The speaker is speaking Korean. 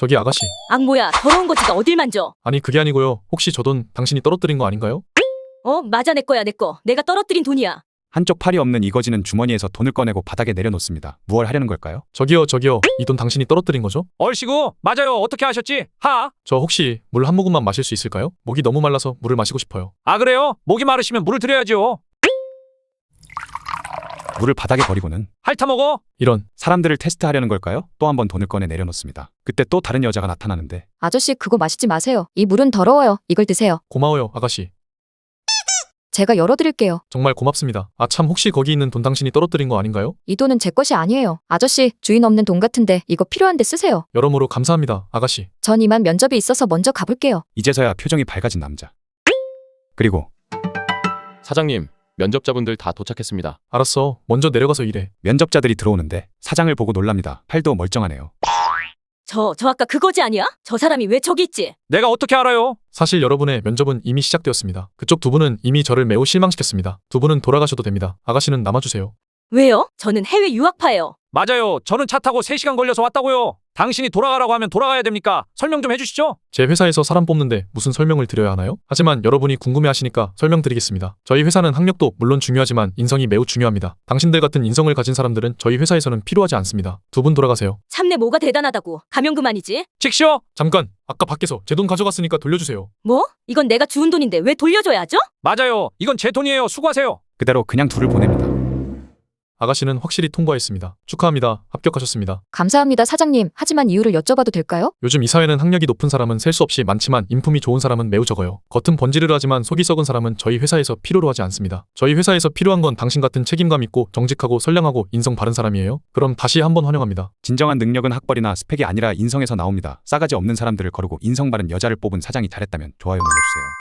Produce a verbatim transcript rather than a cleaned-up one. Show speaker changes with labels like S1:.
S1: 저기 아가씨.
S2: 악모야, 더러운 거지가 어딜 만져?
S1: 아니 그게 아니고요. 혹시 저 돈 당신이 떨어뜨린 거 아닌가요?
S2: 어, 맞아, 내 거야, 내 거. 내가 떨어뜨린 돈이야.
S3: 한쪽 팔이 없는 이거지는 주머니에서 돈을 꺼내고 바닥에 내려놓습니다. 무얼 하려는 걸까요?
S1: 저기요 저기요. 이 돈 당신이 떨어뜨린 거죠?
S4: 얼씨구 맞아요. 어떻게 하셨지? 하?
S1: 저 혹시 물 한 모금만 마실 수 있을까요? 목이 너무 말라서 물을 마시고 싶어요.
S4: 아 그래요? 목이 마르시면 물을 드려야죠.
S3: 물을 바닥에 버리고는
S4: 핥아 먹어.
S1: 이런.
S3: 사람들을 테스트하려는 걸까요? 또 한 번 돈을 꺼내 내려놓습니다. 그때 또 다른 여자가 나타나는데
S5: 아저씨 그거 마시지 마세요. 이 물은 더러워요. 이걸 드세요.
S1: 고마워요 아가씨.
S5: 제가 열어드릴게요.
S1: 정말 고맙습니다. 아 참 혹시 거기 있는 돈 당신이 떨어뜨린 거 아닌가요?
S5: 이 돈은 제 것이 아니에요. 아저씨 주인 없는 돈 같은데 이거 필요한데 쓰세요.
S1: 여러모로 감사합니다 아가씨.
S5: 전 이만 면접이 있어서 먼저 가볼게요.
S3: 이제서야 표정이 밝아진 남자. 그리고
S6: 사장님, 면접자분들 다 도착했습니다.
S1: 알았어. 먼저 내려가서 일해.
S3: 면접자들이 들어오는데 사장을 보고 놀랍니다. 팔도 멀쩡하네요.
S2: 저, 저 아까 그거지 아니야? 저 사람이 왜 저기 있지?
S4: 내가 어떻게 알아요?
S1: 사실 여러분의 면접은 이미 시작되었습니다. 그쪽 두 분은 이미 저를 매우 실망시켰습니다. 두 분은 돌아가셔도 됩니다. 아가씨는 남아주세요.
S2: 왜요? 저는 해외 유학파예요.
S4: 맞아요. 저는 차 타고 세 시간 걸려서 왔다고요. 당신이 돌아가라고 하면 돌아가야 됩니까? 설명 좀 해주시죠.
S1: 제 회사에서 사람 뽑는데 무슨 설명을 드려야 하나요? 하지만 여러분이 궁금해하시니까 설명드리겠습니다. 저희 회사는 학력도 물론 중요하지만 인성이 매우 중요합니다. 당신들 같은 인성을 가진 사람들은 저희 회사에서는 필요하지 않습니다. 두 분 돌아가세요.
S2: 참내 뭐가 대단하다고. 가면 그만이지.
S4: 직시오.
S1: 잠깐! 아까 밖에서 제 돈 가져갔으니까 돌려주세요.
S2: 뭐? 이건 내가 주운 돈인데 왜 돌려줘야 하죠?
S4: 맞아요. 이건 제 돈이에요. 수고하세요.
S3: 그대로 그냥 둘을 보냅니다.
S1: 아가씨는 확실히 통과했습니다. 축하합니다. 합격하셨습니다.
S5: 감사합니다 사장님. 하지만 이유를 여쭤봐도 될까요?
S1: 요즘 이 사회는 학력이 높은 사람은 셀 수 없이 많지만 인품이 좋은 사람은 매우 적어요. 겉은 번지르르하지만 속이 썩은 사람은 저희 회사에서 필요로 하지 않습니다. 저희 회사에서 필요한 건 당신 같은 책임감 있고 정직하고 선량하고 인성 바른 사람이에요. 그럼 다시 한번 환영합니다.
S3: 진정한 능력은 학벌이나 스펙이 아니라 인성에서 나옵니다. 싸가지 없는 사람들을 거르고 인성 바른 여자를 뽑은 사장이 잘했다면 좋아요 눌러주세요.